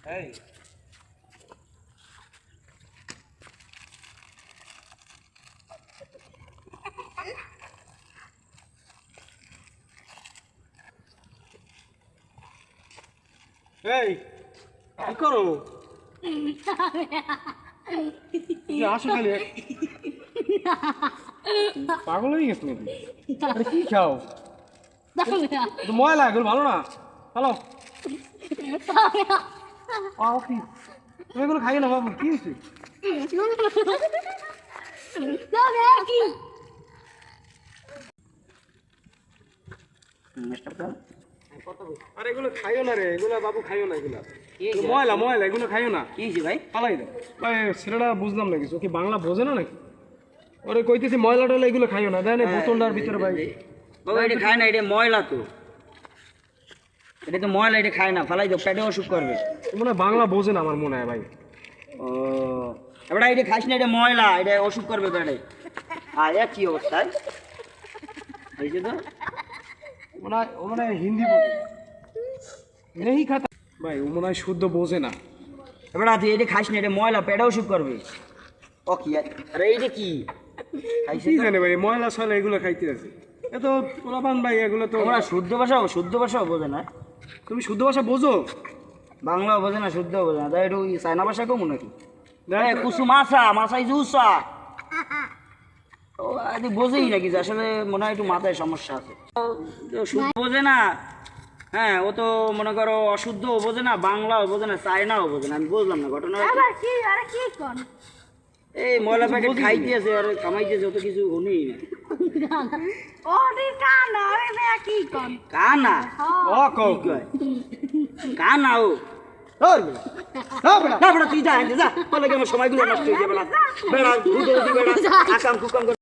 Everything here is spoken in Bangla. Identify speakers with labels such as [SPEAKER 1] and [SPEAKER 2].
[SPEAKER 1] এই এই কি করো? আসো খালি পাগল হয়ে গেছো নাকি? আরে কি খাও? ময়লা এগুলো ভালো না, ভালো কি তুমি এগুলো খাইয়ে না বাবু, কি হয়েছে? আরে এগুলো খাইও না রে, এগুলো বাবু খাইও না, এগুলো ময়লা ময়লা, এগুলো খাইও না।
[SPEAKER 2] কি হয়েছে ভাই?
[SPEAKER 1] পালাই দাও ভাই, ছেলেটা বুঝলাম না কিছু, কি বাংলা বোঝে না নাকি? ওরে কইতেছি ময়লা টয়লা এগুলো খাইও না, দেন বোতলটার ভিতরে ভাই।
[SPEAKER 2] বাবা এটা খায় না, এটা ময়লা তো, এটা তো ময়লা, এটা খায় না, ফালাই দাও, পেটে অসুখ করবে।
[SPEAKER 1] মনে হয় বাংলা বোঝে না আমার মনে হয় ভাই।
[SPEAKER 2] ও এবার এটা খাইস না, এটা ময়লা, এটা অসুখ করবে পেটে। আর কি অবস্থায় হয়েছে তো?
[SPEAKER 1] ও মনে হয় হিন্দি বোঝে নেই খাতা ভাই, ও মনে হয় শুদ্ধ বোঝে না।
[SPEAKER 2] এবার তুই এটা খাইস না, এটা ময়লা, পেটে অসুখ করবে। ও কি আরে এইটা কি খাইছে?
[SPEAKER 1] কি জানে ভাই, ময়লা সয়লা এগুলো খাইতে আছে এত পোলাপান ভাই, এগুলো তো
[SPEAKER 2] তোমরা শুদ্ধ ভাষাও বোঝে না।
[SPEAKER 1] তুমি শুদ্ধ ভাষা বোঝো?
[SPEAKER 2] বাংলাও বোঝে না, শুদ্ধও বোঝে না, তাই একটু চায়না ভাষা কমু নাকি?
[SPEAKER 1] দেখ,
[SPEAKER 2] কুসু মাছাই জুসা ও আদি বোঝেই নাকি, যে আসলে মনে হয় একটু মাথায় সমস্যা আছে। শুদ্ধ বোঝে না, হ্যাঁ ও তো মনে করো অশুদ্ধও বোঝে না, বাংলাও বোঝে না, চায়নাও বোঝে না। আমি বুঝলাম না ঘটনা। এই ময়লা প্যাকেট খাইতেছে আর কামাইতেছে, অত কিছু হনেই না। কানা
[SPEAKER 1] ও কও
[SPEAKER 2] কানা ও তুই যা যা, বলে আমার সময়গুলো নষ্ট হয়ে যাবে না। বেড়া বেড়া আকাম কুকাম